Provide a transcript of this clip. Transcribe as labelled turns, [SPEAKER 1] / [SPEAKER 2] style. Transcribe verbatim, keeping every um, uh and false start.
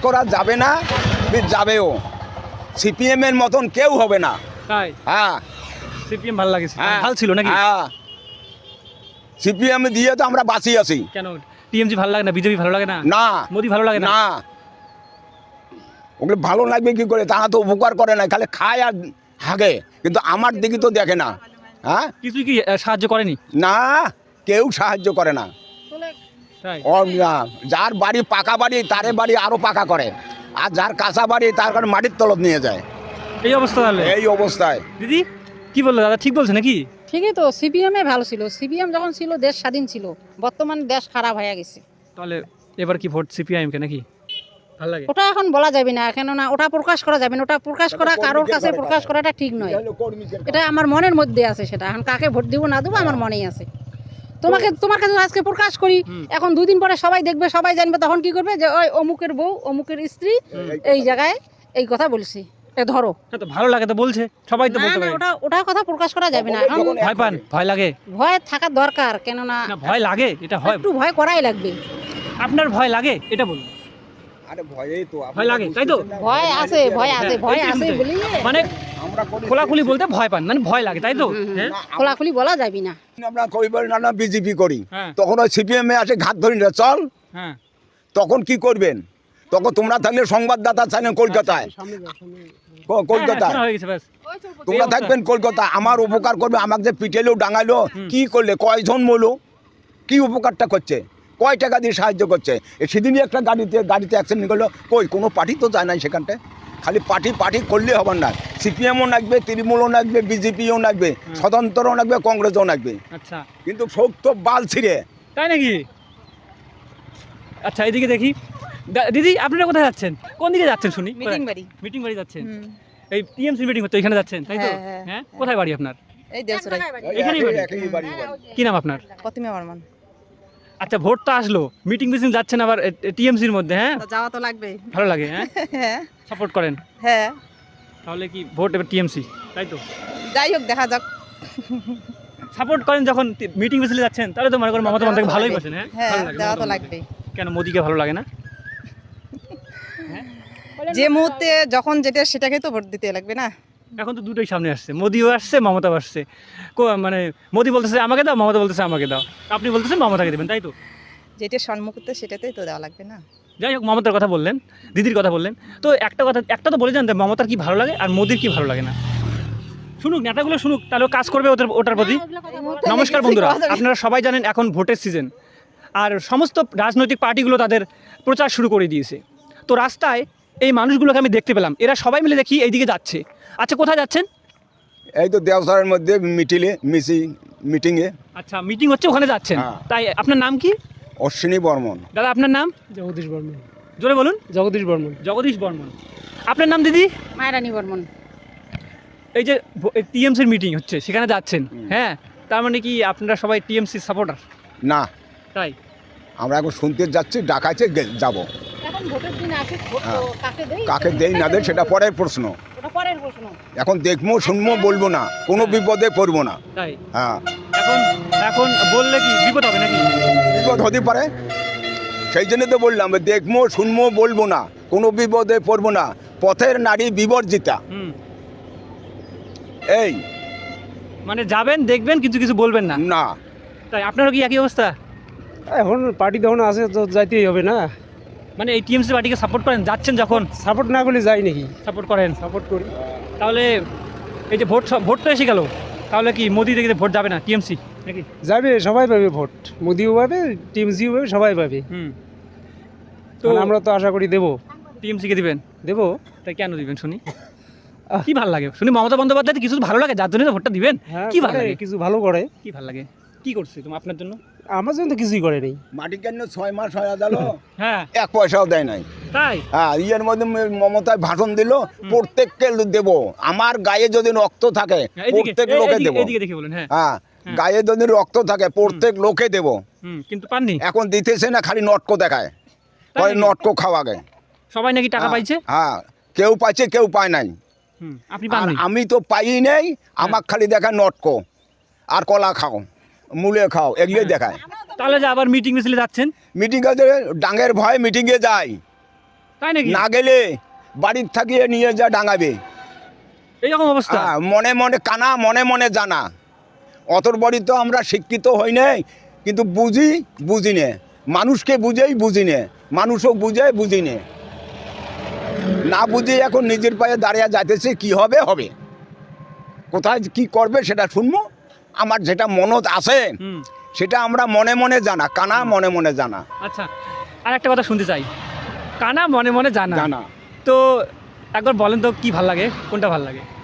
[SPEAKER 1] করা যাবে না, যাবেও। সিপিএম এর মতন কেউ হবে না।
[SPEAKER 2] তাই?
[SPEAKER 1] হ্যাঁ,
[SPEAKER 2] সিপিএম ভালো লাগে, ভালো ছিল নাকি?
[SPEAKER 1] হ্যাঁ, সিপিএম দিয়ে তো আমরা বাঁচি আছি।
[SPEAKER 2] কেন টিএমসি ভালো লাগে না, বিজেপি ভালো লাগে না?
[SPEAKER 1] না,
[SPEAKER 2] মোদি ভালো লাগে না?
[SPEAKER 1] না, ওগুলো ভালো লাগবে কি করে? তারা তো উপকার করে না, খালি খায় আর হাগে, কিন্তু আমার দিকে তো দেখে না। হ্যাঁ,
[SPEAKER 2] কিছু কি সাহায্য করেনি?
[SPEAKER 1] না, কেউ সাহায্য করে না। যার বাড়ি পাকা বাড়ি তারে বাড়ি আরো পাকা করে, আর যার কাঁচা বাড়ি তার কারণে মাটির তলব নিয়ে যায়।
[SPEAKER 2] এই অবস্থা তাহলে? এই
[SPEAKER 1] অবস্থায়।
[SPEAKER 2] দিদি কি বললো? দাদা ঠিক বলছে নাকি?
[SPEAKER 3] ঠিকই তো, সিপিএম এ ভালো ছিল। সিপিএম যখন ছিল দেশ স্বাধীন ছিল, বর্তমানে দেশ খারাপ হয়ে গেছে।
[SPEAKER 2] তাহলে এবার কি ভোট সিপিআইএম কে নাকি? ভালো লাগে
[SPEAKER 3] ওটা এখন বলা যাবে না, কেননা ওটা প্রকাশ করা যাবে না। ওটা প্রকাশ করা কারোর কাছে প্রকাশ করাটা ঠিক নয়। এটা আমার মনের মধ্যে আছে, সেটা এখন কাকে ভোট দিব না দেবো আমার মনেই আছে। তোমাকে তোমার কাছে আজকে প্রকাশ করি, এখন দুদিন পরে সবাই দেখবে, সবাই জানবে, তখন কি করবে যে ওই অমুকের বউ অমুকের স্ত্রী এই জায়গায় এই কথা বলছি, ধরো।
[SPEAKER 2] তো ভালো লাগে তো বলছে, সবাই তো বলতে পারে।
[SPEAKER 3] ওটা ওটা কথা প্রকাশ করা যাবে না। এখন
[SPEAKER 2] ভয় পান? ভয় লাগে?
[SPEAKER 3] ভয় থাকা দরকার, কেননা
[SPEAKER 2] ভয় লাগে, এটা হয়,
[SPEAKER 3] একটু ভয় করাই লাগবে।
[SPEAKER 2] আপনার ভয় লাগে এটা বলুন।
[SPEAKER 1] আরে ভয়ই তো,
[SPEAKER 2] ভয় লাগে তাই তো?
[SPEAKER 3] ভয় আছে, ভয় আছে, ভয় আছে বলি
[SPEAKER 2] মানে খোলাখুলি বলতে ভয় পান, মানে ভয় লাগে তাই তো?
[SPEAKER 3] খোলাখুলি বলা যাবে না।
[SPEAKER 1] আমরা কই বলি না, না বিজেপি করি, তখন ওই সিপিএম এ আসে ঘাত ধরি না চল।
[SPEAKER 2] হ্যাঁ,
[SPEAKER 1] তখন কি করবেন? তখন তোমরা থাকলে সংবাদদাতা ছিলেন কলকাতায়, কলকাতায় তোমরা থাকবেন কলকাতা, আমার উপকার করবে। আমাকে যে পিটেলো ডাঙালো, কি করলে? কয়জন মলো? কি উপকারটা করছে? কয় টাকা দিয়ে সাহায্য করছে? সেদিনই একটা গাড়িতে গাড়িতে অ্যাক্সিডেন্ট করলো, কই কোনো পার্টি তো যায় নাই সেখানটায়। খালি পার্টি পার্টি করলে হবে না, সিপিএমও লাগবে, তৃণমূলও লাগবে, বিজেপিও লাগবে, স্বতন্ত্রও লাগবে, কংগ্রেসও লাগবে।
[SPEAKER 2] আচ্ছা,
[SPEAKER 1] কিন্তু সব তো বাল ছিঁড়ে।
[SPEAKER 2] তাই নাকি? আচ্ছা, এইদিকে দেখি। দিদি আপনারা কোথায় যাচ্ছেন? কোন দিকে যাচ্ছেন শুনি?
[SPEAKER 3] মিটিং বাড়ি।
[SPEAKER 2] মিটিং বাড়ি যাচ্ছেন? এই টিএমসি মিটিং হচ্ছে, এখানে যাচ্ছেন তাই তো? হ্যাঁ, কোথায় বাড়ি আপনার?
[SPEAKER 3] এই দেশরাই।
[SPEAKER 2] এখানেই বাড়ি? কি নাম আপনার?
[SPEAKER 3] প্রতিমা বর্মন।
[SPEAKER 2] আচ্ছা, ভোট তো আসলো, মিটিং মিটিং যাচ্ছেন আবার টিএমসির মধ্যে? হ্যাঁ,
[SPEAKER 3] যাওয়া তো লাগবে।
[SPEAKER 2] ভালো লাগে? হ্যাঁ,
[SPEAKER 3] হ্যাঁ,
[SPEAKER 2] সাপোর্ট করেন?
[SPEAKER 3] হ্যাঁ।
[SPEAKER 2] তাহলে কি ভোট এবার টিএমসি তাই তো?
[SPEAKER 3] যাই হোক, দেখা যাক।
[SPEAKER 2] সাপোর্ট করেন যখন মিটিং মিছিলে যাচ্ছেন, তাহলে তো মনে করেন মমতা বন্দ্যোপাধ্যায়কে ভালোই বসেন। হ্যাঁ,
[SPEAKER 3] হ্যাঁ, যাওয়া তো লাগবে।
[SPEAKER 2] কেন মোদিকে ভালো লাগে না?
[SPEAKER 3] যে মুহূর্তে যখন যেটা সেটাকে তো ভোট দিতে লাগবে না।
[SPEAKER 2] এখন তো দুটোই সামনে আসছে, মোদিও আসছে মমতাও আসছে। মানে মোদি বলতেছে আমাকে দাও, মমতা বলতেছে আমাকে দাও, আপনি বলতেছেন মমতাকে দেবেন তাই তো?
[SPEAKER 3] যেটা সম্মুখতে সেটাতেই তো দেওয়া লাগবে না।
[SPEAKER 2] যাই হোক, মমতার কথা বললেন, দিদির কথা বললেন, তো একটা কথা একটা তো বলে যান, মমতার কি ভালো লাগে আর মোদির কি ভালো লাগে না? শুনুক, নেতাগুলো শুনুক, তাহলে কাজ করবে ওটার ওটার প্রতি। নমস্কার বন্ধুরা, আপনারা সবাই জানেন এখন ভোটের সিজন, আর সমস্ত রাজনৈতিক পার্টিগুলো তাদের প্রচার শুরু করে দিয়েছে। তো রাস্তায় এই মানুষগুলোকে আমি দেখতে পেলাম, এরা সবাই মিলে দেখি এইদিকে যাচ্ছে। আচ্ছা, কোথায় যাচ্ছেন?
[SPEAKER 1] এই তো দেওসারের মধ্যে মিটিলে মিসিং মিটিংয়ে।
[SPEAKER 2] আচ্ছা, মিটিং হচ্ছে, ওখানে যাচ্ছেন। তাই আপনার নাম কি?
[SPEAKER 1] অশ্বিনী বর্মন।
[SPEAKER 2] দাদা আপনার নাম?
[SPEAKER 4] জগদীশ বর্মন।
[SPEAKER 2] জোরে বলুন।
[SPEAKER 4] জগদীশ বর্মন।
[SPEAKER 2] জগদীশ বর্মন। আপনার নাম দিদি?
[SPEAKER 3] মায়ারানী বর্মন।
[SPEAKER 2] এই যে টিএমসির মিটিং হচ্ছে, সেখানে যাচ্ছেন, হ্যাঁ, তার মানে কি আপনারা সবাই টিএমসি সাপোর্টার?
[SPEAKER 1] না,
[SPEAKER 2] তাই?
[SPEAKER 1] আমরা এখন শুনতে যাচ্ছি, ডাকাইছে যাব।
[SPEAKER 3] এখন ভোটের দিন আসে, কাকে দেই
[SPEAKER 1] কাকে দেই না দেই সেটা পরের প্রশ্ন।
[SPEAKER 3] ওটা পরের প্রশ্ন।
[SPEAKER 1] এখন দেখবো শুনবো বলবো না, কোনো বিপদে পড়বো না।
[SPEAKER 2] তাই?
[SPEAKER 1] হ্যাঁ।
[SPEAKER 2] এখন এখন বললে কি বিপদ হবে নাকি?
[SPEAKER 1] বিপদ হতে পারে, সেই জন্য তো বললাম, দেখবো শুনবো বলবো না, কোনো বিপদে পড়বো না। পথের নারী বিবর্জিতা।
[SPEAKER 2] হুম,
[SPEAKER 1] এই
[SPEAKER 2] মানে যাবেন, দেখবেন, কিছু কিছু বলবেন না?
[SPEAKER 1] না।
[SPEAKER 2] তাই আপনারও কি একই অবস্থা?
[SPEAKER 4] এখন পার্টি যখন আছে তো যাইতেই হবে না।
[SPEAKER 2] মানে এই টিএমসি পার্টিকে সাপোর্ট করেন, যাচ্ছেন যখন?
[SPEAKER 4] সাপোর্ট না করলে যাই নাকি?
[SPEAKER 2] সাপোর্ট করেন?
[SPEAKER 4] সাপোর্ট করি।
[SPEAKER 2] তাহলে এই যে ভোট ভোট তো এসে গেল, তাহলে কি মোদি দেখে ভোট যাবে না টিএমসি নাকি?
[SPEAKER 4] যাবে, সবাই পাবে ভোট, মোদিও পাবে, টিএমসিও পাবে, সবাই পাবে।
[SPEAKER 2] হুম,
[SPEAKER 4] তো আমরা তো আশা করি দেবো।
[SPEAKER 2] টিএমসিকে দিবেন?
[SPEAKER 4] দেবো।
[SPEAKER 2] তাই কেন দিবেন শুনি? কি ভালো লাগে শুনি? মমতা বন্দ্যোপাধ্যায় কিছু ভালো লাগে, যার জন্য ভোটটা দিবেন? কি ভালো লাগে?
[SPEAKER 4] কিছু ভালো করে।
[SPEAKER 2] কি ভালো লাগে? কি করছে তুমি আপনার জন্য?
[SPEAKER 4] আমার জন্য তো কিছুই করে নেই।
[SPEAKER 1] মাটি কেন ছয় মাস হয়ে গেল,
[SPEAKER 2] হ্যাঁ,
[SPEAKER 1] এক পয়সাও দেয় নাই।
[SPEAKER 2] তাই?
[SPEAKER 1] হ্যাঁ, ইয়ের মধ্যে মমতায় ভাষণ দিল, প্রত্যেককে দেব, আমার গায়ে যদি রক্ত থাকে প্রত্যেক লোকে দেব।
[SPEAKER 2] এদিকে দেখে বলেন। হ্যাঁ,
[SPEAKER 1] হ্যাঁ, গায়ে যদি রক্ত থাকে প্রত্যেক লোকে দেব।
[SPEAKER 2] হুম, কিন্তু পাননি।
[SPEAKER 1] এখন দিতেছে না, খালি নটকো দেখায়, কয় নটকো খাওয়া গে।
[SPEAKER 2] সবাই নাকি টাকা পাইছে?
[SPEAKER 1] হ্যাঁ, কেউ পাইছে, কেউ পায় নাই।
[SPEAKER 2] হুম, আপনি পাননি?
[SPEAKER 1] আমি তো পাই নাই, আমাকে খালি দেখায় নটকো আর কলা খাও, মূলে খাও, এগুলোই দেখায়।
[SPEAKER 2] তাহলে যে আবার মিটিং মিছিলে যাচ্ছেন?
[SPEAKER 1] মিটিংয়ে ডাঙের ভয়ে মিটিংয়ে যাই।
[SPEAKER 2] তাই নাকি?
[SPEAKER 1] না গেলে বাড়ির থাকিয়ে নিয়ে যা ডাঙাবে।
[SPEAKER 2] এইরকম অবস্থা?
[SPEAKER 1] হ্যাঁ, মনে মনে কানা, মনে মনে জানা। অতর বড়ি তো আমরা শিক্ষিত হই নাই, কিন্তু বুঝি বুঝি নে, মানুষকে বুঝেই বুঝি নে, মানুষও বুঝে বুঝি নে, না বুঝে এখন নিজের পায়ে দাঁড়িয়ে যাইতেছে। কি হবে হবে, কোথায় কি করবে সেটা শুনবো। আমার যেটা মনত আছে
[SPEAKER 2] হুম।
[SPEAKER 1] সেটা আমরা মনে মনে জানা, কানা মনে মনে জানা।
[SPEAKER 2] আচ্ছা, আর একটা কথা শুনতে চাই, কানা মনে মনে জানা
[SPEAKER 1] জানা
[SPEAKER 2] তো একবার বলেন তো কি ভাল লাগে, কোনটা ভাল লাগে?